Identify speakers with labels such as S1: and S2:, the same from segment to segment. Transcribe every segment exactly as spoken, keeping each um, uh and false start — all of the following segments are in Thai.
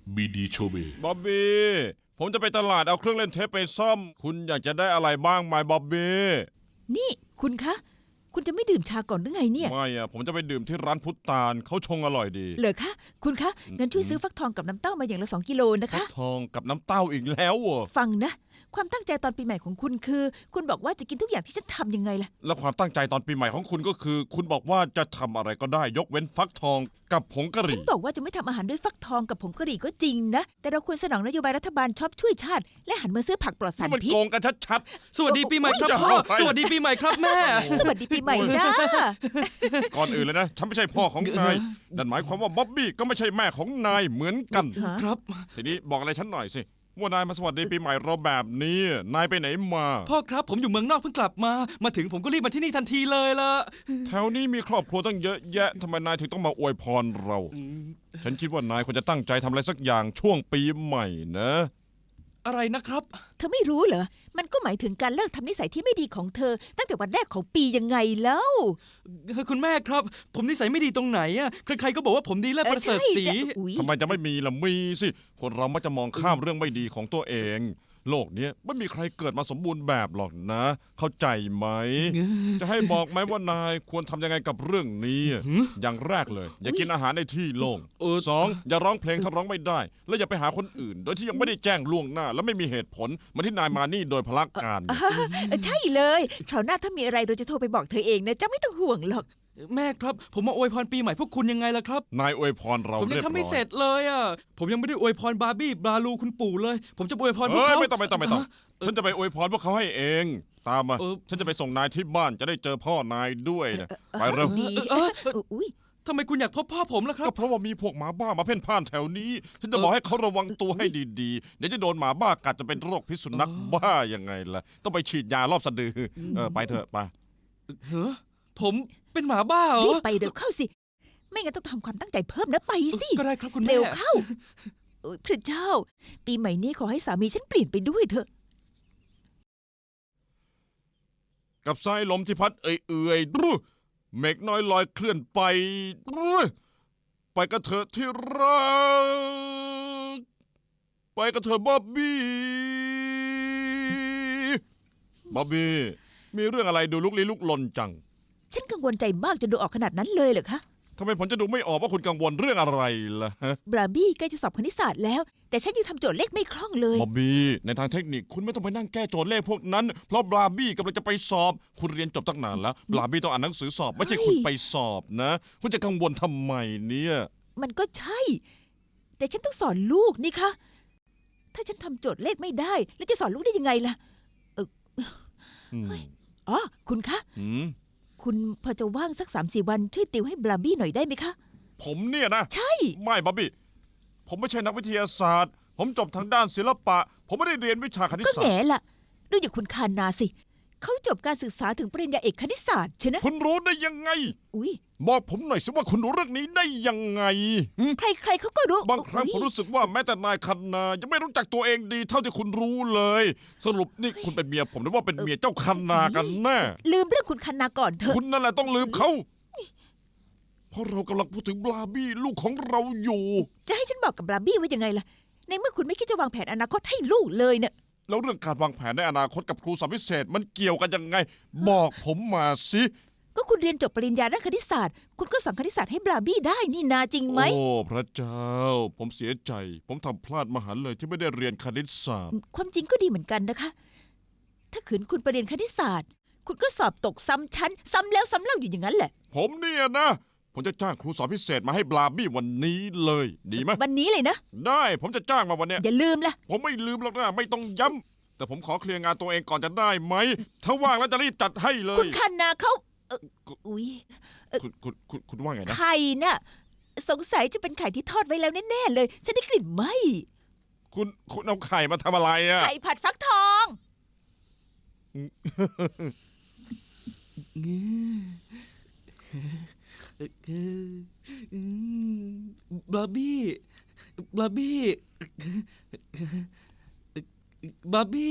S1: บีดีโชเบ
S2: บ๊อบบี้ผมจะไปตลาดเอาเครื่องเล่นเทปไปซ่อมคุณอยากจะได้อะไรบ้างไหมบ๊อบบี้
S3: นี่คุณคะ คุณจะไม่ดื่มชาก่อนหรือไงเนี่ย
S2: ไม่อะผมจะไปดื่มที่ร้านพุทธานเขาชงอร่อยดี
S3: เหรอคะ คุณคะ งั้นช่วยซื้อฟักทองกับน้ำเต้ามาอย่างละสองกิโลนะ
S2: ฟั
S3: คะ
S2: กทองกับน้ำเต้าอีกแล้วเหรอ
S3: ฟังนะ ความตั้งใจตอนปีใหม่ของคุณคือ คุณบอกว่าจะกินทุกอย่างที่ฉันทำยังไงล่ะ
S2: แล้วความตั้งใจตอนปีใหม่ของคุณก็คือ คุณบอกว่าจะทำอะไรก็ได้ยกเว้นฟักทองกับผงกะห
S3: ฉัน
S2: รี่
S3: บอกว่าจะไม่ทำอาหารด้วยฟักทองกับผงกะหรี่ก็จริงนะ แต่เราควรสนองนโยบายรัฐบาลชอบช่วยชาติ และหันมาซื้อผักปลอดสาร
S2: นี่มัน
S3: พิษ
S2: โกงกันชัด
S4: สวัสดีปีใหม่ครับ
S2: โอ้ย
S4: พ่อ
S2: จะเอาไป
S4: สวัสดีปีใหม่ครับแม่
S3: สวัสดีปีใหม่จ้า
S2: ๆ ก่อนอื่นเลยนะฉันไม่ใช่พ่อของนายนั่นหมายความว่าบ๊อบบี้ก็ไม่ใช่แม่ของนายเหมือนกัน
S3: ฮะ
S4: ครับ
S2: ทีนี้บอกอะไรฉันหน่อยสิว่านายมาสวัสดีปีใหม่เราแบบนี้นายไปไหนมา
S4: พ่อครับผมอยู่เมืองนอกเพิ่งกลับมา มาถึงผมก็รีบมาที่นี่ทันทีเลยละ
S2: แถวนี้มีครอบครัวตั้งเยอะแยะทำไมนายถึงต้องมาอวยพรเรา ฉันคิดว่านายควรจะตั้งใจทำอะไรสักอย่างช่วงปีใหม่นะ
S4: อะไรนะครับ
S3: เธอไม่รู้เหรอ มันก็หมายถึงการเลิกทำนิสัยที่ไม่ดีของเธอ ตั้งแต่วันแรกของปียังไงแล้ว
S4: คุณแม่ครับ ผมนิสัยไม่ดีตรงไหนอะใครๆก็บอกว่าผมดีเลิศ
S3: เออ
S4: ประเสริฐ
S3: ใช่
S4: ศรี
S3: จะอุ๊ย
S2: ทำไมจะไม่มีล่ะมีสิ คนเรามักจะมองข้ามเรื่องไม่ดีของตัวเอง โลกเนี้ยไม่มีใครเกิดมาสมบูรณ์แบบหรอกนะ เข้าใจไหม จะให้บอกไหมว่านายควรทำยังไงกับเรื่องนี้ อย่างแรกเลย อย่ากินอาหารในที่โล่ง
S4: เออ
S2: สองอย่าร้องเพลงถ้าร้องไม่ได้ และอย่าไปหาคนอื่น โดยที่ยังไม่ได้แจ้งล่วงหน้า และไม่มีเหตุผลเหมาที่นายมานี่โดยพลักการ
S3: เออใช่เลยคราวหน้าถ้ามีอะไรเราจะโทรไปบอกเธอเองนะเจ้าไม่ต้องห่วงหรอก
S4: แม่ครับ ผมมาอวยพรปีใหม่พวกคุณยังไงล่ะครับ
S2: นายอวยพรเรา
S4: ผมยั
S2: เรี
S4: ง
S2: ยบร้
S4: ทำไม่
S2: อ
S4: เสร็
S2: ย
S4: จเลยอะผมยังไม่ได้อวยพรบาร์บี้บราลูคุณปู่เลย ผมจะอวยพรพวก
S2: เฮ้ย
S4: เขา
S2: ไม่ต้องไม่ต้องไม่ต้อง ฉันจะไปอวยพรพวกเขาให้เอง ตามมา
S4: เออ
S2: ฉันจะไปส่งนายที่บ้านจะได้เจอพ่อนายด้วยนะไปเร็ว
S3: ดี
S4: เออ
S3: อุ้ย
S4: ทำไมคุณอยากพบพ่อผมล่ะครั
S2: ก็
S4: บ
S2: เพราะว่ามีพวกหมาบ้ามาเพ่นพ่านแถวนี้ ฉันจะบอกให้เขาระวังตัวให้ดีๆ เดี๋ยวจะโดนหมาบ้ากัดจะเป็นโรคพิษสุนัขบ้ายังไงล่ะ ต้องไปฉีดยารอบสะดือ เออไปเถอะไป
S4: เฮ้อผมเป็นหมาบ้าเหร
S3: รี
S4: อบ
S3: ไปเร็วเข้าสิ ไม่งั้นต้องทำความตั้งใจเพิ่มนะไปสิ
S4: ก็ได้ครับคุณแม่
S3: เร็วเข้าโอ๊ยพระเจ้า ปีใหม่นี้ขอให้สามีฉันเปลี่ยนไปด้วยเถอะ
S2: กับสายลมที่พัดเอื่อยๆดูเมฆน้อยลอยเคลื่อนไปดูไปกันเถอะที่รักไปกันเถอะบ๊อบบี้บ๊อบบี้มีเรื่องอะไรดูลุกลี้ลุกลนจัง
S3: ฉันกังวลใจมากจนดูออกขนาดนั้นเลยเหรอคะ
S2: ทำไมผมจะดูไม่ออกว่าคุณกังวลเรื่องอะไรล่ะฮะ
S3: บราบี้ใกล้จะสอบคณิตศาสตร์แล้ว แต่ฉันยังทำโจทย์เลขไม่คล่องเลย
S2: บ๊อบบี้ในทางเทคนิคคุณไม่ต้องไปนั่งแก้โจทย์เลขพวกนั้น เพราะบราบี้กำลังจะไปสอบ คุณเรียนจบตั้งนานแล้วบราบี้ต้องอ่านหนังสือสอบ ไม่ใช่คุณไปสอบนะ คุณจะกังวลทำไมเนี่ย
S3: มันก็ใช่ แต่ฉันต้องสอนลูกนี่คะถ้าฉันทำโจทย์เลขไม่ได้ แล้วจะสอนลูกได้ยังไงล่ะ
S2: อืม
S3: อ๋อ คุณคะ
S2: อืม
S3: คุณพอจะว่างสักสามสี่วันช่วยติวให้บราบี้หน่อยได้ไหมคะ
S2: ผมเนี่ยนะ
S3: ใช่
S2: ไม่บ๊อบบี้ผมไม่ใช่นักวิทยาศาสตร์ ผมจบทางด้านศิลปะ ผมไม่ได้เรียนวิชาคณิต
S3: ก็
S2: ศา
S3: แง่
S2: สตร์
S3: ล่ะดูอย่างคุณคานาสิ เขาจบการศึกษาถึงปริญญาเอกคณิตศาสตร์ใช่นะ
S2: คุณรู้ได้ยังไง
S3: อุ้ย
S2: บอกผมหน่อยสิว่าคุณรู้เรื่องนี้ได้ยังไงหึ
S3: ใครๆเขาก็รู้
S2: บางครั้งผม
S3: อุ๊ย
S2: รู้สึกว่าแม้แต่นายคันนายังไม่รู้จักตัวเองดีเท่าที่คุณรู้เลย สรุปนี่คุณเป็นเมียผมหรือว่าเป็นเมียเจ้าคันนากันแน่
S3: ลืมเรื่องคุณคานาก่อนเถอะ
S2: คุณนั่นแหละต้องลืมเขาเพราะเรากำลังพูดถึงบราบี้ลูกของเราอยู่
S3: จะให้ฉันบอกกับบราบี้ว่ายังไงล่ะ ในเมื่อคุณไม่คิดจะวางแผนอนาคตให้ลูกเลยเนี่ย
S2: แล้วเรื่องการวางแผนในอนาคตกับครูสอนพิเศษมันเกี่ยวกันยังไง บอกผมมาสิ
S3: ก็คุณเรียนจบปริญญาด้านคณิตศาสตร์ คุณก็สอนคณิตศาสตร์ให้บราบี้ได้นี่นาจริงไหม
S2: โอ้พระเจ้า ผมเสียใจ ผมทำพลาดมหันต์เลยที่ไม่ได้เรียนคณิตศาสตร์
S3: ความจริงก็ดีเหมือนกันนะคะ ถ้าขืนคุณไปเรียนคณิตศาสตร์ คุณก็สอบตกซ้ำชั้น ซ้ำแล้วซ้ำเล่าอยู่อย่างนั้นแหละ
S2: ผมเนี่ยนะ ผมจะจ้างครูสอนพิเศษมาให้บราบี้วันนี้เลย ดีไหม
S3: วันนี้เลยนะ
S2: ได้ผมจะจ้างมาวันเนี้ย
S3: อย่าลืมล่ะ
S2: ผมไม่ลืมหรอกนะไม่ต้องย้ำแต่ผมขอเคลียร์งานตัวเองก่อนจะได้ไหม ถ้าว่างแล้วจะรีบจัดให้เล
S3: คุ
S2: ย
S3: ณคานาเขาเอ่ออุ๊ย
S2: คุณคุณคุณคุณว่าไงนะ
S3: ไข่น่ะ สงสัยจะเป็นไข่ที่ทอดไว้แล้วแน่ๆเลย ฉันได้กลิ่นไหม
S2: คุณคุณเอาไข่มาทำอะไรอะ
S3: ไข่ผัดฟักทอง
S4: บาร์บี้บาร์บี้บาร์บี้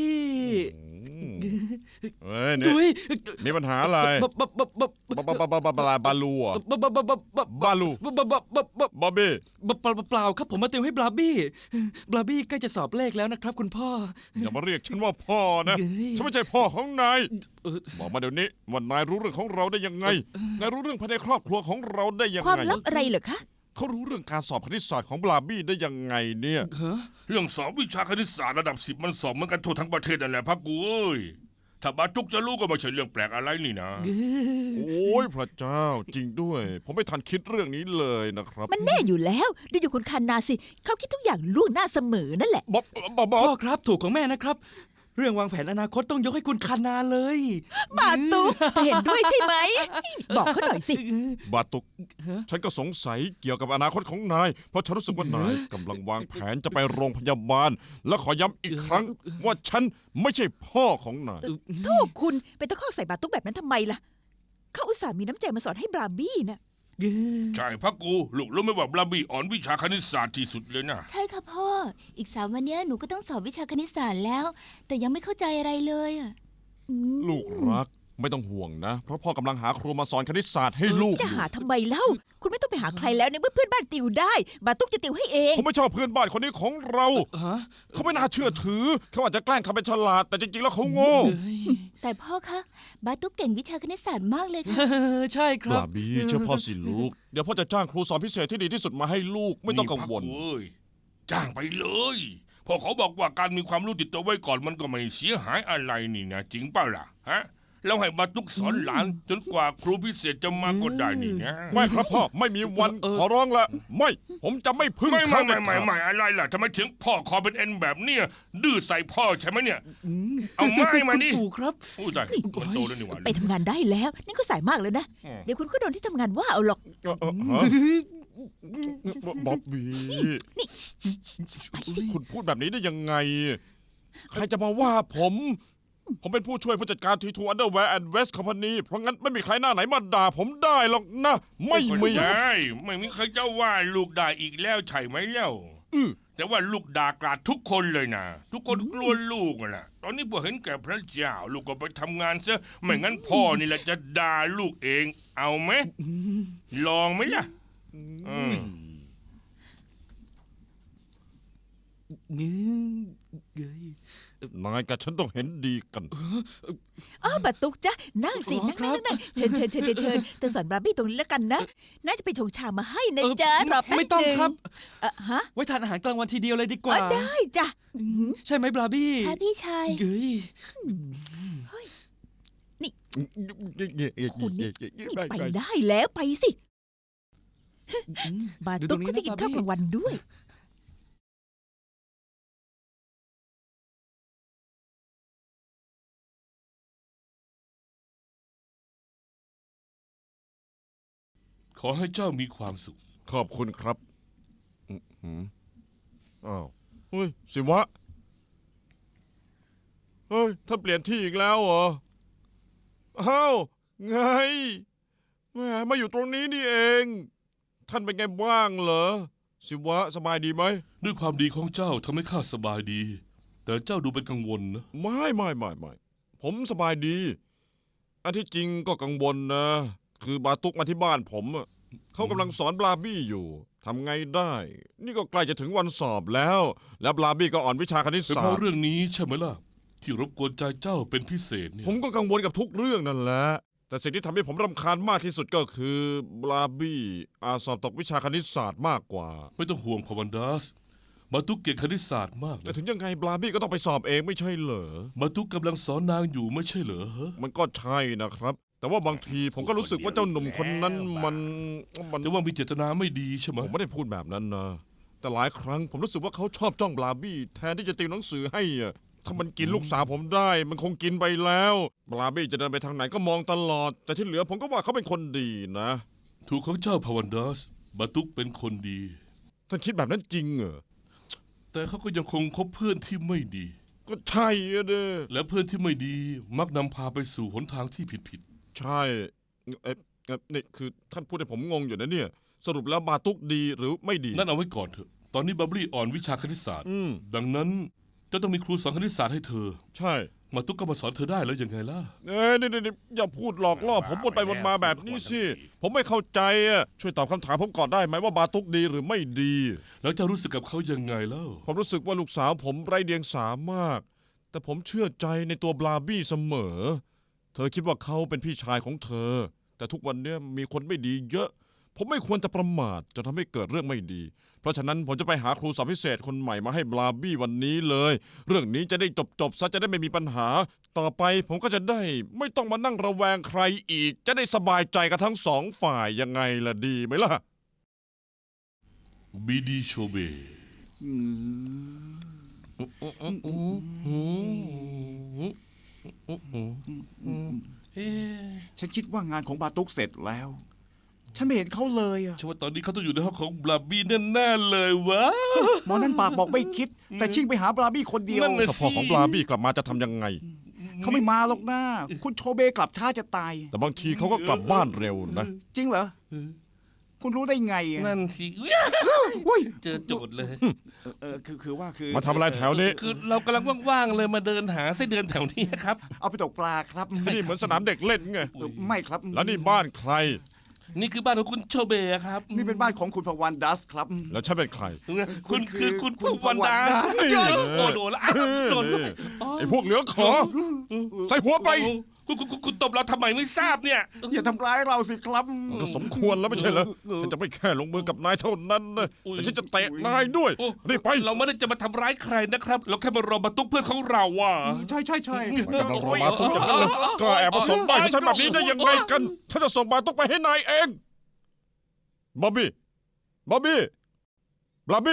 S2: เฮ้ยนี่
S4: ดุย
S2: มีปัญหาอะไร
S4: บาบาบาบา
S2: บาบาบาบาบาบาบาลูอ่ะ
S4: บาบาบาบาบา
S2: บาลู
S4: บาบาบาบาบา
S2: บอบบี้
S4: เปล่าเปล่าครับผมมาติวให้บราบี้บราบี้ใกล้จะสอบเลขแล้วนะครับคุณพ่อ
S2: อย่ามาเรียกฉันว่าพ่อนะ
S4: เย้ย
S2: ฉันไม่ใช่พ่อของนาย
S4: เออ
S2: บอกมาเดี๋ยวนี้ว่านายรู้เรื่องของเราได้ยังไง นายรู้เรื่องภายในครอบครัวของเราได้ยัง
S3: ความ
S2: ไง
S3: ลับอะไรเหรอคะ
S2: เขารู้เรื่องการสอบคณิตศาสตร์ของบลาบี้ได้ยังไงเนี่ย
S4: ฮะ
S1: เรื่องสอบวิชาคณิตศาสตร์ระดับสิบมันสอบเหมือนกันทั่วทั้งประเทศนั่นแหละพักกูเอ้ยถ้าบาตุกจะรู้ก็ไม่ใช่เรื่องแปลกอะไรนี่นะ
S2: โอ้ยพระเจ้าจริงด้วย ผมไม่ทันคิดเรื่องนี้เลยนะครับ
S3: มันแน่อยู่แล้วดูอยู่คุณคานาสิ เขาคิดทุกอย่างล่วงหน้าเสมอนั่นแหละ
S2: บ๊อบบ๊อบบ๊อ
S4: พ่อบ ครับถูกของแม่นะครับ เรื่องวางแผนอนาคตต้องยกให้คุณคานาเลย
S3: บาตุกเห็นด้วยใช่ไหม บอกเขาหน่อยสิ
S2: บาตุก
S4: ฮะ
S2: ฉันก็สงสัยเกี่ยวกับอนาคตของนาย เพราะฉันรู้สึกว่านายกำลังวางแผนจะไปโรงพยาบาล และขอย้ำอีกครั้ง ว่าฉันไม่ใช่พ่อของนาย
S3: โทษคุณไปตะคอกใส่บาตุกแบบนั้นทำไมล่ะ เขาอุตส่าห์มีน้ำใจมาสอนให้บราบี้นะ
S1: ใช่พักกูลูกรู้ไหมว่าบลาบี้อ่อนวิชาคณิตศาสตร์ที่สุดเลยนะ
S5: ใช่ค่ะพ่อ อีกสามวันเนี้ยหนูก็ต้องสอบวิชาคณิตศาสตร์แล้ว แต่ยังไม่เข้าใจอะไรเลยอะ
S2: ลูกรักไม่ต้องห่วงนะ เพราะพ่อกำลังหาครูมาสอนคณิตศาสตร์ให้ลูก
S3: จะหาทำไมเล่า คุณไม่ต้องไปหาใครแล้วในเมื่อเพื่อนบ้านติวได้ บาตุกจะติวให้เอง
S2: ผมไม่ชอบเพื่อนบ้านคนนี้ของเรา
S4: ฮะ
S2: เขาไม่น่าเชื่อถือ เขาอาจจะแกล้งทำเป็นฉลาด แต่จริงๆแล้วเขาโง่
S4: เฮ้ย
S5: แต่พ่อคะบาตุกเก่งวิชาคณิตศาสตร์มากเลยค่ะ
S4: ใช่ครับ
S2: บลาบี้เชื่อพ่อสิลูก เดี๋ยวพ่อจะจ้างครูสอนพิเศษที่ดีที่สุดมาให้ลูกไม่ต้องกังวล
S1: นี่พักูเอ้ยจ้างไปเลยเพอเขาบอกว่าการมีความรู้ติดตัวไว้ก่อนมันก็ไม่เสียหายอะไรนี่นะจริงเปล่าล่ะฮะแล้วให้บาตุกสอนหลานจนกว่าครูพิเศษจะมาก็ได้นี่นะ
S2: ไม่ครับพ่อไม่มีวัน
S4: เออ
S2: ขอร้องละไม่ ผมจะไม่พึ่ง
S1: ไม่
S2: เขา
S1: ไม่
S2: เด็
S1: ไม่
S2: ด
S1: ไม่
S2: ขาด
S1: ไม่อะไรล่ะทำไมถึงพ่อคอเป็นเอ็นแบบเนี้ยดื้อใส่พ่อใช่ไหมเนี่ย เอาไม้มานี่
S4: ถูกครับ
S1: อู้ตายมันโตแล้วนี่หว่า
S3: ไปทำงานได้แล้ว นี่ก็สายมากเลยนะ
S1: อืม
S3: เดี๋ยวคุณก็โดนที่ทำงานว่าเอาหรอก
S2: เออเออฮะบ๊อบบี้
S3: นี่ไปสิ
S2: คุณพูดแบบนี้ได้ยังไง ใครจะมาว่าผม ผมเป็นผู้ช่วยผู้จัดการทีทูอันเดอร์แวร์แอนด์เวสต์คอมพานีเพราะงั้นไม่มีใครหน้าไหนมาด่าผมได้หรอกนะ ไม่มี
S1: ได้ไม่มีใครจะว่าลูกด่าอีกแล้วใช่ไหมเล่า
S2: อือ
S1: แต่ว่าลูกด่ากราดทุกคนเลยนะทุกคนกลัวลูกอะนะตอนนี้พอเห็นแก่พระเจ้า ลูกก็ไปทำงานซะไม่งั้นพ่อนี่แหละจะด่าลูกเอง เอาไหมลองไหมล่ะอืม
S4: เงี้ย
S2: นายกับฉันต้องเห็นดีกัน
S3: อ้าวบาตุกจ้ะนั่งสิ
S4: อ๋อ
S3: นั่ง
S4: ครั
S3: นั่
S4: บ
S3: งนั่งเชิญเชิญเชิญเชิญเชิญแต่สอนบราบี้ตรงนี้แล้วกันนะ น่าจะไปชงชามาให้นะ
S4: เออ
S3: จ๊ะรอแป๊บ
S4: ไม่ต้อง
S3: หนึ่
S4: ครับ
S3: เออฮะ
S4: ไว้ทานอาหารกลางวันทีเดียวเลยดีก
S3: อ๋
S4: ว่า
S3: อได้จ้ะอื้อหือ
S4: ใช่ไหมบราบี้
S5: ค่ะพี่ชาย
S4: เฮ้ย
S3: คุณนี่นี่ไปได้แล้วไปสิ บาตุกก็จะกินข้าวกลางวันด้วย
S1: ขอให้เจ้ามีความสุข
S2: ขอบคุณครับอื้อหืออ้าวเฮ้ยสิวะ เฮ้ยท่านเปลี่ยนที่อีกแล้วเหรอ อ้าว ไงแหมมาอยู่ตรงนี้นี่เอง ท่านเป็นไงบ้างเหรอ สิวะสบายดีไหม
S1: ด้วยความดีของเจ้าทำให้ข้าสบายดี แต่เจ้าดูเป็นกังวลนะ
S2: ไม่ไม่ไม่ไม่ผมสบายดี อันที่จริงก็กังวลนะ คือบาตุกมาที่บ้านผมอะเขากำลังสอนบลาบี้อยู่ทำไงได้ นี่ก็ใกล้จะถึงวันสอบแล้ว แล้วบลาบี้ก็อ่อนวิชาคณิต
S1: เป็น
S2: ศา
S1: เพ
S2: สต
S1: ราะ
S2: ร์
S1: เรื่องนี้ใช่ไหมล่ะ ที่รบกวนใจเจ้าเป็นพิเศษเนี่ย
S2: ผมก็กังวลกับทุกเรื่องนั่นแหละ แต่สิ่งที่ทำให้ผมรำคาญมากที่สุดก็คือบลาบี้อาจสอบตกวิชาคณิตศาสตร์มากกว่า
S1: ไม่ต้องห่วงพาวันดัสมาตุกเก่งคณิตศาสตร์มาก
S2: แต่
S1: นะ
S2: ถึงยังไงบลาบี้ก็ต้องไปสอบเองไม่ใช่เหรอ
S1: มาตุกกำลังสอนนางอยู่ไม่ใช่เหรอฮะ
S2: มันก็ใช่นะครับ แต่ว่าบางทีผมก็รู้สึกว่าเจ้าหนุ่มคนนั้นมันมัน
S1: แต่ว่ามีเจตนาไม่ดีใช่ไหม
S2: ผมไม่ได้พูดแบบนั้นนะ แต่หลายครั้งผมรู้สึกว่าเขาชอบจ้องบลาบี้แทนที่จะติวหนังสือให้อะถ้ามันกินลูกสาวผมได้ มันคงกินไปแล้วบลาบี้จะเดินไปทางไหนก็มองตลอด แต่ที่เหลือผมก็ว่าเขาเป็นคนดีนะ
S1: ถูกของเจ้าพาวันดัสมาตุกเป็นคนดี
S2: ท่านคิดแบบนั้นจริงเหรอ
S1: แต่เขาก็ยังคงคบเพื่อนที่ไม่ดี
S2: ก็ใช่อะเด้อ
S1: และเพื่อนที่ไม่ดีมักนำพาไปสู่หนทางที่ผิด
S2: ใช่เอ๊ะเอ๊ะนี่คือท่านพูดให้ผมงงอยู่นะเนี่ย สรุปแล้วบาตุกดีหรือไม่ดี
S1: ๆนั่นเอาไว้ก่อนเถอะ ตอนนี้บับลี่อ่อนวิชาคณิตศาสตร์
S2: อืม
S1: ดังนั้น
S6: จะต้องมีครูสอนคณิตศาสตร์ให้เธอ
S2: ใช่
S6: มาตุ๊กก็มาสอนเธอได้แล้วยังไงล่ะ
S2: เอ้ยนี่นี่นี่อย่าพูดหลอกล่อผมวนไปวนมาแบบนี้สิ ผมไม่เข้าใจอ่ะช่วยตอบคำถามผมก่อนได้ไหมว่าบาตุกดีหรือไม่ดี
S6: แล้วจะรู้สึกกับเขายังไงเล่า
S2: ผมรู้สึกว่าลูกสาวผมไร้เดียงสามาก แต่ผมเชื่อใจในตัวบลาบี้เสมอ เธอคิดว่าเขาเป็นพี่ชายของเธอ แต่ทุกวันเนี้ยมีคนไม่ดีเยอะ ผมไม่ควรจะประมาทจะทำให้เกิดเรื่องไม่ดี เพราะฉะนั้นผมจะไปหาครูสอนพิเศษคนใหม่มาให้บลาบี้วันนี้เลย เรื่องนี้จะได้จบจบๆซะจะได้ไม่มีปัญหา ต่อไปผมก็จะได้ไม่ต้องมานั่งระแวงใครอีก จะได้สบายใจกันทั้งสองฝ่ายยังไงล่ะดีไหมล่ะ
S6: บีดีโชเบ
S7: ฉันคิดว่างานของบาตุกเสร็จแล้ว ฉันไม่เห็นเขาเลยอะ
S6: ฉันว่าตอนนี้เขาต้องอยู่ในห้องของบลาบี้แน่ๆเลยวะ
S7: หมอนั่นปากบอกไม่คิด แต่ชิ่งไปหาบราบี้คนเดียว
S6: นั่นน่ะ
S2: ถ้าพ่อของบลาบี้กลับมาจะทำยังไง
S7: เขาไม่มาหรอกนะคุณโชเบกลับช้าจะตาย
S2: แต่บางทีเขาก็กลับบ้านเร็วนะ
S7: จริงเหรอ คุณรู้ได้ไงอะ
S6: นั่นสิ
S7: อุ้ย
S6: เจอโจทย์เลย
S7: เออคือคือว่าคือ
S2: มาทำอะไรแถวนี้
S6: คือเรากำลังว่างๆเลยมาเดินหาไส้เดือนแถวนี้ครับ
S7: เอาไปตกปลาครับ
S2: ที่นี่เหมือนสนามเด็กเล่นไง
S7: เออไม่ครับ
S2: แล้วนี่บ้านใคร
S6: นี่คือบ้านของคุณโชเบะครับ
S7: นี่เป็นบ้านของคุณพวันดัสครับ
S2: แล้วฉันเป็นใคร
S6: คุณคือคุณพวันดา
S7: คุณ
S6: โอ้โดนละอ้าวโดนด้วย
S2: ไอ้พวกเหลือขอ ใส่หัวไป
S6: คุณคุณคุณคุณตบเราทำไมไม่ทราบเนี่ย
S7: อย่าทำร้ายเราสิครับ
S2: มันก็สมควรแล้วไม่ใช่เหรอ ฉันจะไม่แค่ลงมือกับนายเท่านั้นนะแต่ฉันจะเตะนายด้วย
S6: โอ้
S2: รีบไป
S6: เราไม่ได้จะมาทำร้ายใครนะครับ เราแค่มารอมาตุกเพื่อนของเราว่ะ
S7: ใช่ใช่ใช่
S2: กำลังรอมาตุ๊กอย่างนั้นเลยก็แอบมาส่งบ้านของฉันแบบนี้ได้ยังไงกันฉันจะส่งบาตุ๊กไปให้นายเองบ๊อบบี้บ๊อบบี้บลาบี้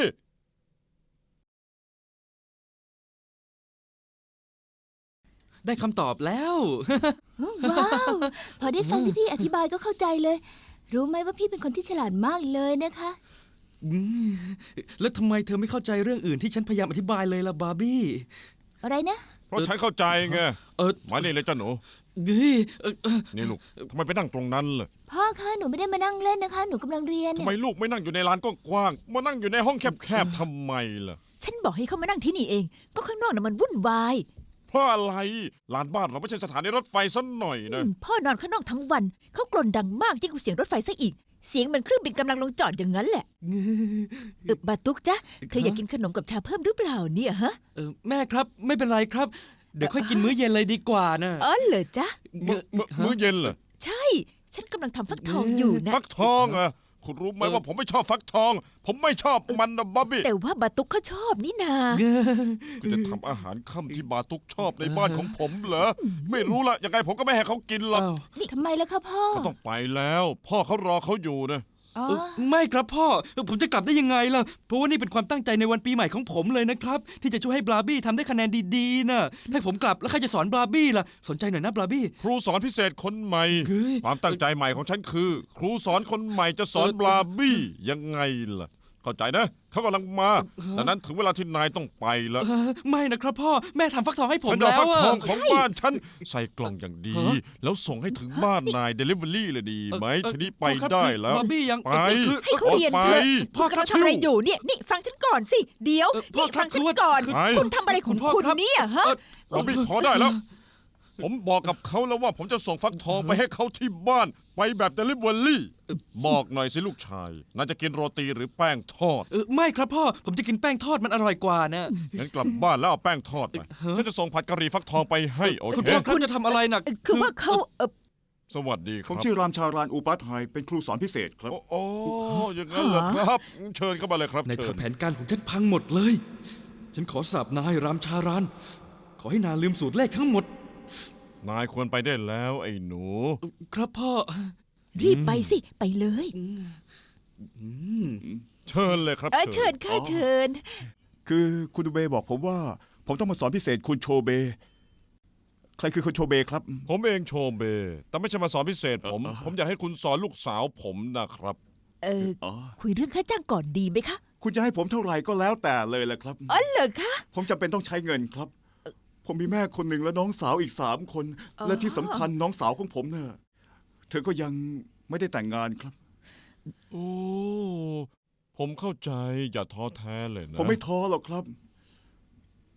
S4: ได้คำตอบแล้ว
S5: ว้าว พอได้ฟังที่พี่อธิบายก็เข้าใจเลย รู้ไหมว่าพี่เป็นคนที่ฉลาดมากเลยนะคะ
S4: อืมแล้วทำไมเธอไม่เข้าใจเรื่องอื่นที่ฉันพยายามอธิบายเลยล่ะบาร์บี้
S5: อะไรนะ
S2: เพราะฉันเข้าใจไง
S4: เออ
S2: มานี่เลยจ้าหนู
S4: เฮ้ยเออเออ
S2: นี่ลูกทำไมไปนั่งตรงนั้นล่ะ
S5: พ่อคะหนูไม่ได้มานั่งเล่นนะคะ หนูกำลังเรียน
S2: ทำ
S5: เนี่ย
S2: ไมลูกไม่นั่งอยู่ในลานกว้างๆมานั่งอยู่ในห้องแคบๆทำไมล่ะ
S3: ฉันบอกให้เขามานั่งที่นี่เอง ก็ข้างนอกน่ะมันวุ่นวาย
S2: เพราะอะไรลานบ้านเราไม่ใช่สถานีรถไฟซะหน่อย
S3: อื
S2: นะ
S3: มพ่อนอนข้างนอกทั้งวัน เขากรนดังมากยิ่งกว่าเสียงรถไฟซะอีก เสียงเหมือนเครื่องบินกำลังลงจอดอย่างนั้นแหละเออบาตุกจ๊ะเธออยากกินขนมกับชาเพิ่มหรือเปล่าเนี่ยฮะ
S4: เออแม่ครับไม่เป็นไรครับ เดี๋ยวค่อยกินมื้อเย็นเลยดีกว่านะ
S3: อ๋อเหรอจ๊ะ
S2: มื้อมื้อมื้อเย็นเหรอ
S3: ใช่ ฉันกำลังทำฟักทองอยู่นะ
S2: ฟักทองเหรอ่ะคุณรู้ไหมว่าผมไม่ชอบฟักทอง ผมไม่ชอบมันนะบ๊อบบี้
S3: แต่ว่าบาตุกเขาชอบนี่นา
S2: คุณจะทำอาหารค่ำที่บาตุกชอบในบ้านของผมเหรอไม่รู้ละยังไงผมก็ไม่ให้เขากินหรอก
S4: อ้าว
S5: ทำไมล่ะคะพ่อ
S2: เขาต้องไปแล้ว พ่อเขารอเขาอยู่นะ
S5: อ๋อ
S4: เออไม่ครับพ่อเออผมจะกลับได้ยังไงล่ะ เพราะว่านี่เป็นความตั้งใจในวันปีใหม่ของผมเลยนะครับ ที่จะช่วยให้บราบี้ทำได้คะแนนดีๆนะถ้าผมกลับแล้วใครจะสอนบราบี้ล่ะ สนใจหน่อยนะบราบี้
S2: ครูสอนพิเศษคนใหม่
S4: เฮ้ย
S2: ความตั้งใจใหม่ของฉันคือ ครูสอนคนใหม่จะสอน
S4: เออ
S2: บลาบี้ยังไงล่ะ เข้าใจนะเขากำลังมาดังนั้นถึงเวลาที่นายต้องไปแล้ว
S4: เออไม่นะครับพ่อแม่ทำฟักทองให้ผม
S2: ฉันจะ
S4: แล้
S2: เอา
S4: ว
S2: ฟัก
S4: อะ
S2: ทองของบ้านฉันใส่กล่องอย่างดี
S4: ฮะ
S2: แล้วส่งให้ถึงบ้านนายเดลิเวอรี่เลยดีไหม
S4: เอ่อ
S2: ทีนี้ไป
S4: พ่อครับ
S2: ได้
S4: คือ
S2: แล้ว
S4: บาร์บี้ยัง
S2: ไป
S4: เอ่อคือ
S3: ให้เขาเรียน
S2: ไป
S3: เถอะ
S4: พ่อ
S3: คุณ
S4: ครับ
S3: กำลังทำอะไรอยู่เนี่ย นี่ฟังฉันก่อนสิ เดี๋ยว
S4: เอ่อพ่อ
S3: นี่
S4: ครับ
S3: ฟังฉัน
S4: คือว่า
S3: ก่อน
S4: คือ
S2: ไป
S3: คุณทำอะไรของ
S4: คุณพ่อ
S3: คุณ
S4: ครับ
S3: เนี่ยฮะ
S4: เอ่อ
S2: บอบบี้พอได้แล้ว ผมบอกกับเขาแล้วว่าผมจะส่งฟักทองไปให้เขาที่บ้าน ไปแบบเดลิเวอรี่บอกหน่อยสิลูกชายน่าจะกินโรตีหรือแป้งทอด
S4: เออไม่ครับพ่อผมจะกินแป้งทอดมันอร่อยกว่านะ
S2: งั้นกลับบ้านแล้วเอาแป้งทอดมาฉันจะส่งผัดกะหรี่ฟักทองไปให้โอ
S4: คุณ
S2: เค
S4: พ่อครับจะทำอะไรหนัก
S3: เอ่อคือว่าเขาเออ
S2: สวัสดีค
S7: ผ
S2: รั
S7: ม
S2: บ
S7: ชื่อรามชารานอุปัฏไฮเป็นครูสอนพิเศษครับ
S2: โอ้โอ้อย่างนั้นเหรอครับ เชิญเข้ามาเลยครับ
S4: ใน
S2: เชิ
S4: เถิ
S2: ญ
S4: ดแผนการของฉันพังหมดเลย ฉันขอสาบนายรามชาราน ขอให้นายลืมสูตรเลขทั้งหมด
S2: นายควรไปได้แล้วไอ้หนู
S4: ครับพ่อ
S3: รีบไปสิ ไปเลย
S4: อืม
S2: เชิญเลยครับ
S3: เออเชิญค่ะเชิญ
S7: คือคุณดูเบบอกผมว่า ผมต้องมาสอนพิเศษคุณโชเบ ใครคือคุณโชเบครับ
S2: ผมเองโชเบ แต่ไม่ใช่มาสอนพิเศษผม
S7: เอ่อ
S2: ผมอยากให้คุณสอนลูกสาวผมนะครับ
S3: เออ
S7: อ๋อ
S3: คุยเรื่องค่าจ้างก่อนดีไหมคะ
S7: คุณจะให้ผมเท่าไหร่ก็แล้วแต่เลยแหละครับ
S3: อ๋อเหรอคะ
S7: ผมจำเป็นต้องใช้เงินครับ ผมมีแม่คนหนึ่งและน้องสาวอีกสามคน
S3: อ๋อ
S7: และที่สำคัญน้องสาวของผมเน่ะเธอก็ยังไม่ได้แต่งงานครับ
S2: โอ้ ผมเข้าใจอย่าท้อแท้เลยนะ
S7: ผมไม่ท้อหรอกครับ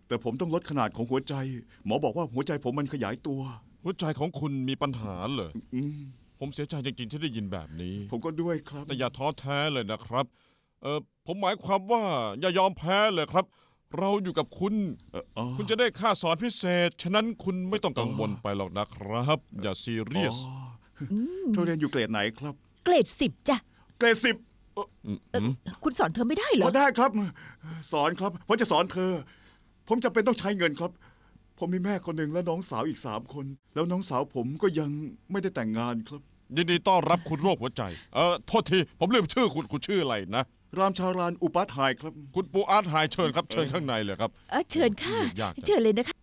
S7: แต่ผมต้องลดขนาดของหัวใจ หมอบอกว่าหัวใจผมมันขยายตัว
S2: หัวใจของคุณมีปัญหาเหรอ
S7: อืม
S2: ผมเสียใจจริงๆที่ได้ยินแบบนี้
S7: ผมก็ด้วยครับ
S2: แต่อย่าท้อแท้เลยนะครับ เออผมหมายความว่าอย่ายอมแพ้เลยครับ เราอยู่กับคุณ
S7: เอ่ออ๋อ
S2: คุณจะได้ค่าสอนพิเศษ ฉะนั้นคุณไม่ต้องกังวลไปหรอกนะครับ อย่าซีเรียส
S7: อ๋อเธอเรียนอยู่เกรดไหนครับ
S3: เกรดสิบจ้ะ
S7: เกรดสิบ
S3: เอ่อคุณสอนเธอไม่ได้เหร
S7: พ
S3: อ
S7: อได้ครับ สอนครับผมจะสอนเธอ ผมจำเป็นต้องใช้เงินครับ ผมมีแม่คนหนึ่งและน้องสาวอีกสามคน แล้วน้องสาวผมก็ยังไม่ได้แต่งงานครับ
S2: ยินดีต้อนรับคุณโรคหัวใจ เออโทษที ผมลืมชื่อคุณคุณชื่ออะไรนะ
S7: รามชารานอุปาทายครับ
S2: คุณปูอาร์ตไฮเชิญครับ เชิญข้างในเลยครับ
S3: เออเชิญค่ะ
S2: ยากจัง
S3: เชิญเลยนะคะ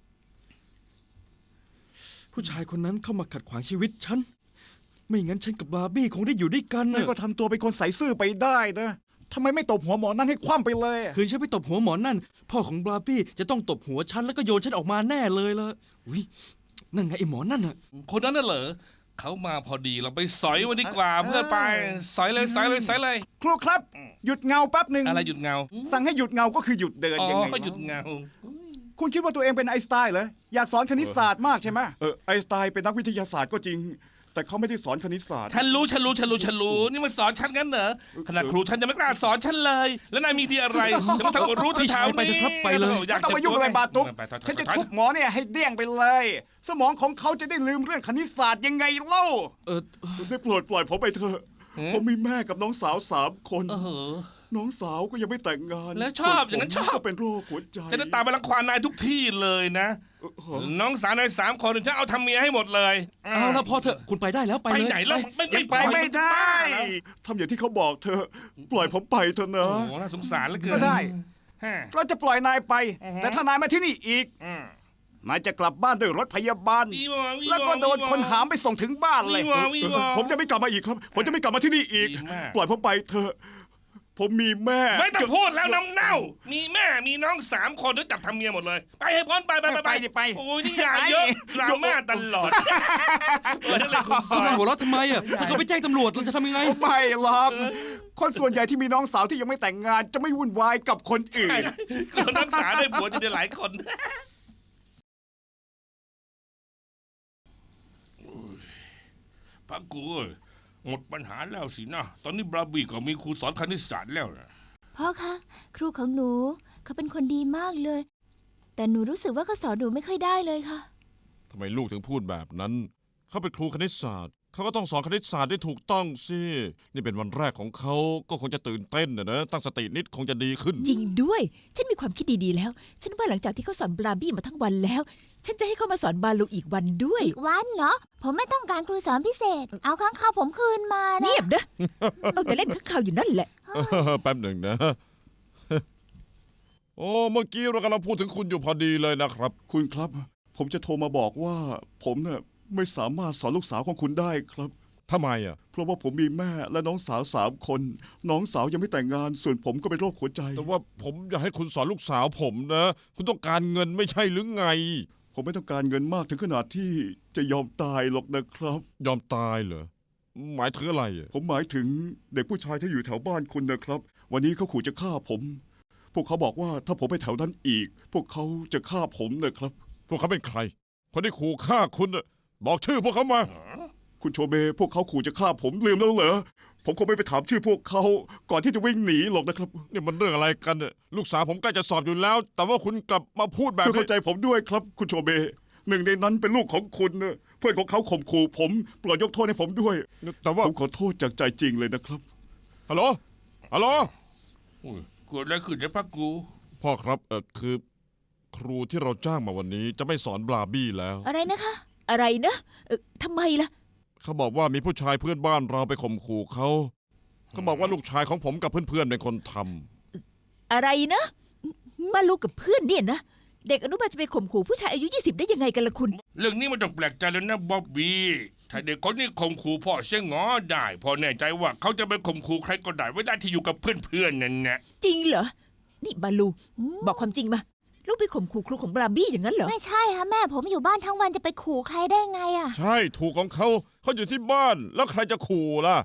S4: ผู้ชายคนนั้นเข้ามาขัดขวางชีวิตฉัน ไม่งั้นฉันกับบาร์บี้คงได้อยู่ด้วยกัน
S7: นี่
S4: นะ
S7: ก็ทำตัวเป็นคนใส่ซื่อไปได้นะทำไมไม่ตบหัวหมอนั่นให้คว่ำไปเลย
S4: คืนฉันไปตบหัวหมอนั่น พ่อของบาร์บี้จะต้องตบหัวฉันแล้วก็โยนฉันออกมาแน่เลยละอุ้ยนั่นไงไอ้หมอนั่นน่ะ
S6: คนนั้นน่ะเหรอเขามาพอดีเราไปสอยมันดีกว่าเพื่อนไป สอยเลยสอยเลยสอยเลย
S7: ครูครับ หยุดเงาแป๊บหนึ่ง
S6: อะไรหยุดเงา
S7: สั่งให้หยุดเงาก็คือหยุดเดิน
S6: อ๋อ
S7: ยังไง
S6: ก็หยุดเงา
S7: คุณคิดว่าตัวเองเป็นไอน์สไตน์เหรออยากสอนคณิตศาสตร์มากใช่ไหมเออไอน์สไตน์เป็นนักวิทยาศาสตร์ก็จริง แต่เขาไม่ได้สอนคณิตศาสตร์
S6: ฉันรู้ฉันรู้ฉันรู้ฉันรู้นี่มันสอนฉันกันเหรอขนาดครูฉันยังไม่กล้าสอนฉันเลย แล้วนายมีดีอะไรจะมาทำรู้
S4: พี่
S6: เท้า
S4: ชายไปเถอะครับไปเลย
S7: ไม่ต้องมายุ่งอะไรบาตุก
S6: ไปๆๆๆ
S7: ฉันจะทุบหมอเนี่ยให้เดี้ยงไปเลย สมองของเขาจะได้ลืมเรื่องคณิตศาสตร์ยังไงเล่า
S4: เออ
S7: ได้โปรดปล่อยผมไปเถอะ ผมมีแม่กับน้องสาวสามคน
S6: เออ
S7: น้องสาวก็ยังไม่แต่งงาน
S6: แล้วชอบ
S7: ส่ว
S6: อย่างนั้น
S7: ผม
S6: ชอบ
S7: ก็เป็นโรคหัวใจ
S6: จะได้ตามไปรังควานนายทุกที่เลยนะ
S7: เออเหรอ
S6: น้องสาวในายสามคนฉันเอาทำเมียให้หมดเลย
S4: เอาละพอเถอะคุณไปได้แล้วไป
S6: ไป
S4: เลย
S6: ไหนแล้วไม่
S7: ยังไปไม่ได้
S6: แล้ว
S7: ทำอย่างที่เขาบอกเธอะปล่อยผมไปเถอะ
S6: โอ้
S7: นะ
S6: โหน่าสงสารเหลือเกิน
S7: ก็ได้
S6: ฮะ
S7: เราจะปล่อยนายไป
S6: อือฮะ
S7: แต่ถ้านายมาที่นี่อีก
S6: อืม
S7: นายจะกลับบ้านด้วยรถพยาบาล
S6: วีวอวีวอ
S7: แล้วก็โดนคนหามไปส่งถึงบ้านเลย
S6: วีวอวีวอ
S7: ผมจะไม่กลับมาอีกครับ ผมจะไม่กลับมาที่นี่อีก
S6: ดีมาก
S7: ปล่อยผมไปเถอะ ผมมีแม่
S6: ไม่ต้องพูดแล้วน้ำเน่า มีแม่มีน้องสามคนแล้วจับทำเมียหมดเลย ไปให้พ้นไปไปไป
S7: ไปดิไป
S6: โอ้ยนี่ยาเยอะดราม่าตลอดเออนั่นเลยคุณส
S4: คุ
S6: อ
S4: ณ
S6: น
S4: นายหัวเราะทำไมอ่ะถ้าเขาไปแจ้งตำรวจเราจะทำยังไง
S7: ไม่หรอก คนส่วนใหญ่ที่มีน้องสาวที่ยังไม่แต่งงาน จะไม่วุ่นวายกับคนอื่น
S6: คนรักษาได้ผัวจะได้หลายคน พักกูเอ้ยหมดปัญหาแล้วสินะ ตอนนี้บราบี้ก็มีครูสอนคณิตศาสตร์แล้วนะ
S5: พ่อคะ ครูของหนูเขาเป็นคนดีมากเลย แต่หนูรู้สึกว่าเขาสอนหนูไม่ค่อยได้เลยค่ะ
S2: ทำไมลูกถึงพูดแบบนั้น เขาเป็นครูคณิตศาสตร์ เขาก็ต้องสอนคณิตศาสตร์ได้ถูกต้องสิ นี่เป็นวันแรกของเขา ก็คงจะตื่นเต้นนะนะ ตั้งสตินิดคงจะดีขึ้น
S3: จริงด้วย ฉันมีความคิดดีๆแล้ว ฉันว่าหลังจากที่เขาสอนบราบี้มาทั้งวันแล้ว ฉันจะให้เขามาสอนบาลูอีกวันด้วย
S5: อีกวันเหรอ ผมไม่ต้องการครูสอนพิเศษ เอาข้างข้าวผมคืนมานะ
S3: เงียบนะ เอาแต่เล่นข้างข่าวอยู่นั่นแหละ
S2: แป๊บหนึ่งนะ โอ้ เมื่อกี้เรากำลังพูดถึงคุณอยู่พอดีเลยนะครับ
S7: คุณครับ ผมจะโทรมาบอกว่า ผมเนี่ยไม่สามารถสอนลูกสาวของคุณได้ครับ
S2: ทำไมอ่ะ
S7: เพราะว่าผมมีแม่และน้องสาวสามคน น้องสาวยังไม่แต่งงาน ส่วนผมก็เป็นโรคหัวใจ
S2: แต่ว่าผมอยากให้คุณสอนลูกสาวผมนะ คุณต้องการเงินไม่ใช่หรือไง
S7: ผมไม่ต้องการเงินมากถึงขนาดที่จะยอมตายหรอกนะครับ
S2: ยอมตายเหรอ หมายถึงอะไรอ่ะ
S7: ผมหมายถึงเด็กผู้ชายที่อยู่แถวบ้านคุณนะครับ วันนี้เขาขู่จะฆ่าผม พวกเขาบอกว่าถ้าผมไปแถวนั้นอีก พวกเขาจะฆ่าผมนะครับ
S2: พวกเขาเป็นใคร คนที่ขู่ฆ่าคุณน่ะบอกชื่อพวกเขามา
S7: คุณโชเบพวกเขาขู่จะฆ่าผมลืมแล้วเหรอ ผมคงไม่ไปถามชื่อพวกเขาก่อนที่จะวิ่งหนีหรอกนะครับ
S2: นี่มันเรื่องอะไรกันเนี่ยลูกสาวผมใกล้จะสอบอยู่แล้ว แต่ว่าคุณกลับมาพูดแบบ
S7: ช่วย
S2: นี้
S7: เข้าใจผมด้วยครับ คุณโชเบหนึ่งในนั้นเป็นลูกของคุณนะเพื่อนของเขาข่มขู่ผมโปรดยกโทษให้ผมด้วย
S2: แต่ว่า
S7: ผมขอโทษจากใจจริงเลยนะครับ
S2: ฮัลโหล ฮัลโหล
S1: โอ้ยเกิดอะไรขึ้นในพักกู
S2: พ่อครับ เออคือ ครูที่เราจ้างมาวันนี้จะไม่สอนบลาบี้แล้ว
S5: อะไรนะคะ
S3: อะไรนะเอ่อทำไมล่ะ
S2: เขาบอกว่ามีผู้ชายเพื่อนบ้านเราไปข่มขู่เขา เขาบอกว่าลูกชายของผมกับเพื่อนๆเป็นคนทำ
S3: อะไรนะ มาลูกกับเพื่อนเนี่ยนะ เด็กอนุบาลจะไปข่มขู่ผู้ชายอายุยี่สิบได้ยังไงกันล่ะคุณ
S1: เรื่องนี้ไม่ต้องแปลกใจแล้วนะบ๊อบบี้ถ้าเด็กคนนี้ข่มขู่พ่อเสียงอได้พ่อแน่ใจว่าเขาจะไปข่มขู่ใครก็ได้ไม่ได้ที่อยู่กับเพื่อนๆนั่นแหละ
S3: จริงเหรอ นี่บาลู บอกความจริงมา ลูกไปข่มขู่ครูของบราบี้อย่างนั้นเหรอ
S5: ไม่ใช่ค่ะแม่ผมอยู่บ้านทั้งวันจะไปขู่ใครได้ไงอะ
S2: ใช่ ถูกของเขา เขาอยู่ที่บ้าน แล้วใครจะขู่ล่ะ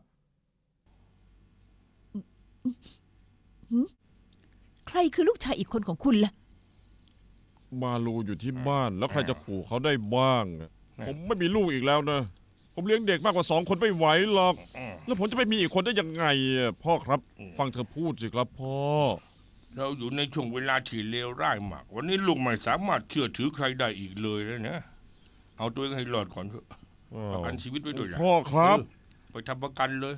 S3: ใครคือลูกชายอีกคนของคุณล่ะ
S2: บาลูอยู่ที่บ้าน แล้วใครจะขู่เขาได้บ้างอะผมไม่มีลูกอีกแล้วนะ ผมเลี้ยงเด็กมากกว่าสองคนไม่ไหวหรอก
S1: อืม
S2: แล้วผมจะไปมีอีกคนได้ยังไงอะพ่อครับ ฟังเธอพูดสิครับพ่อ
S1: เราอยู่ในช่วงเวลาที่เลวร้ายมาก วันนี้ลูกไม่สามารถเชื่อถือใครได้อีกเลยแล้วนะ เอาตัวเองให้รอดก่อนเถอะประกันชีวิตไว้ด้วยล่ะ
S2: พ่อครับ
S1: เออไปทำประกันเลย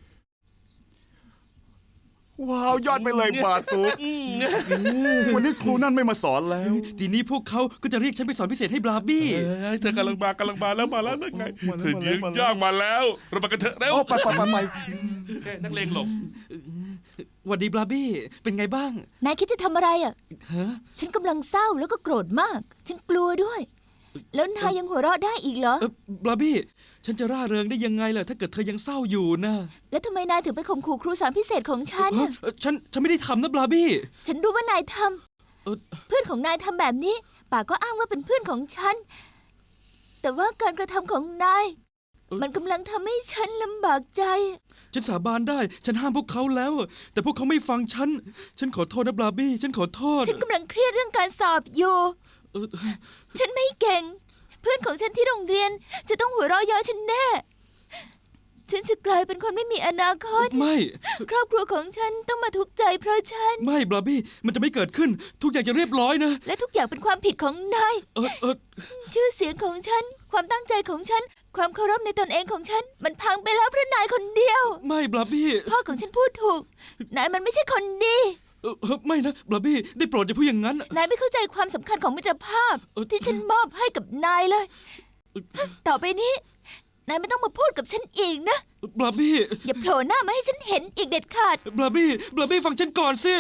S7: ว้าวยอดไปเลยบาตุกวันนี้ครูนั่นไม่มาสอนแล้ว
S4: ทีนี้พวกเขาก็จะเรียกฉันไปสอนพิเศษให้บราบี้
S6: เอ้ยเธอกำลังมากำลังมาแล้วมาแล้วนั่นไง
S7: มาแล้ว
S6: เธอยืน
S7: มาแล้ว
S6: ย่างมาแล้วเราไปกันเถอะเร็ว
S7: โอ้ไปไปไปไป
S6: เอ้ยนักเลงหลบ
S4: หวัดดีบราบี้ เป็นไงบ้าง
S5: นายคิดจะทำอะไรอ่ะ
S4: ฮะ
S5: ฉันกำลังเศร้าแล้วก็โกรธมาก ฉันกลัวด้วย แล้วนายยังหัวเราะได้อีกเหรอ
S4: เออบราบี้ ฉันจะร่าเริงได้ยังไงล่ะถ้าเกิดเธอยังเศร้าอยู่นะ
S5: แล้วทำไมนายถึงไปข่มขู่ครูสอนพิเศษของฉัน
S4: ฮะ
S5: น่ะ
S4: เอ่อฉันฉันไม่ได้ทำนะบราบี้
S5: ฉันรู้ว่านายท
S4: เอ่อ
S5: ำเพื่อนของนายทำแบบนี้ป่ากก็อ้างว่าเป็นเพื่อนของฉัน แต่ว่าการกระทำของนาย มันกำลังทำให้ฉันลำบากใจ
S4: ฉันสาบานได้ ฉันห้ามพวกเขาแล้ว แต่พวกเขาไม่ฟังฉัน ฉันขอโทษนะบราบี้ ฉันขอโทษ
S5: ฉันกำลังเครียดเรื่องการสอบอยู่
S4: เอ่อ
S5: ฉันไม่เก่ง เพื่อนของฉันที่โรงเรียน จะต้องหัวเราะเยาะฉันแน่ ฉันจะกลายเป็นคนไม่มีอนาคต
S4: ไม่
S5: ครอบครัวของฉันต้องมาทุกข์ใจเพราะฉัน
S4: ไม่บราบี้ มันจะไม่เกิดขึ้น ทุกอย่างจะเรียบร้อยนะ
S5: และทุกอย่างเป็นความผิดของนาย
S4: เออเออ
S5: ชื่อเสียงของฉัน ความตั้งใจของฉัน ความเคารพในตนเองของฉัน มันพังไปแล้วเพราะนายคนเดียว
S4: ไม่บราบี้
S5: พ่อของฉันพูดถูก นายมันไม่ใช่คนดี
S4: เออเออไม่นะบราบี้ ได้โปรดอย่าพูดอย่างนั้น
S5: นายไม่เข้าใจความสำคัญของมิตรภาพ
S4: เอ่อ
S5: ที่ฉันมอบให้กับนายเลย ต่อไปนี้ นายไม่ต้องมาพูดกับฉันอีกนะ
S4: บราบี้
S5: อย่าโผล่หน้ามาให้ฉันเห็นอีกเด็ดขาด
S4: บราบี้ บราบี้ฟังฉันก่อนสิ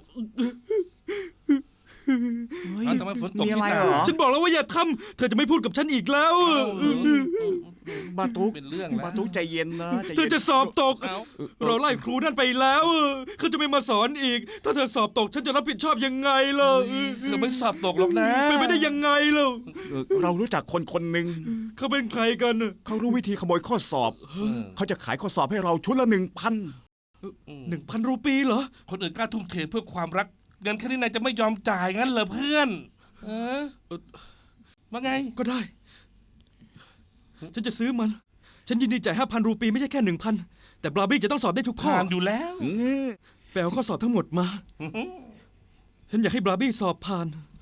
S6: อ้าวทำไมฝนตก
S7: มีอะไร
S6: ที่ห
S7: เหร
S6: น้า
S7: อ
S4: ฉันบอกแล้วว่าอย่าทำ เธอจะไม่พูดกับฉันอีกแล้ว
S7: บาตุก
S6: เป็นเรื่อง
S7: บา
S6: แล้ว
S7: ตุกใจเย็นนะใจ
S4: เธอ
S7: เย็น
S4: จะสอบตก
S6: เอ้า
S4: เราไล่ครูนั่นไปแล้วเขาจะไม่มาสอนอีก ถ้าเธอสอบตกฉันจะรับผิดชอบยังไงล่ะ
S6: เธอไม่สอบตกหรอกนะ
S4: เป็นไปได้ยังไงล่ะ
S7: เออเรารู้จักคนคนหนึ่ง
S4: เขาเป็นใครกัน
S7: เขารู้วิธีขโมยข้อสอบ เขาจะขายข้อสอบให้เราชุดละหนึ่งพัน
S4: หนึ่งพันรูปีเหรอ
S6: คนอื่นกล้าทุ่มเทเพื่อความรัก เงินแค่นี้นายจะไม่ยอมจ่ายงั้นเหรอเพื่อน เออว่าไง
S4: ก็ได้ ฉันจะซื้อมัน ฉันยินดีจ่ายห้าพันรูปีไม่ใช่แค่หนึ่งพันแต่บราบี้จะต้องสอบได้ทุกข้อ
S6: ผ่านอยู่แล้ว
S7: อืม
S4: ไปเอาข้อสอบทั้งหมดมา ฉันอยากให้บราบี้สอบผ่าน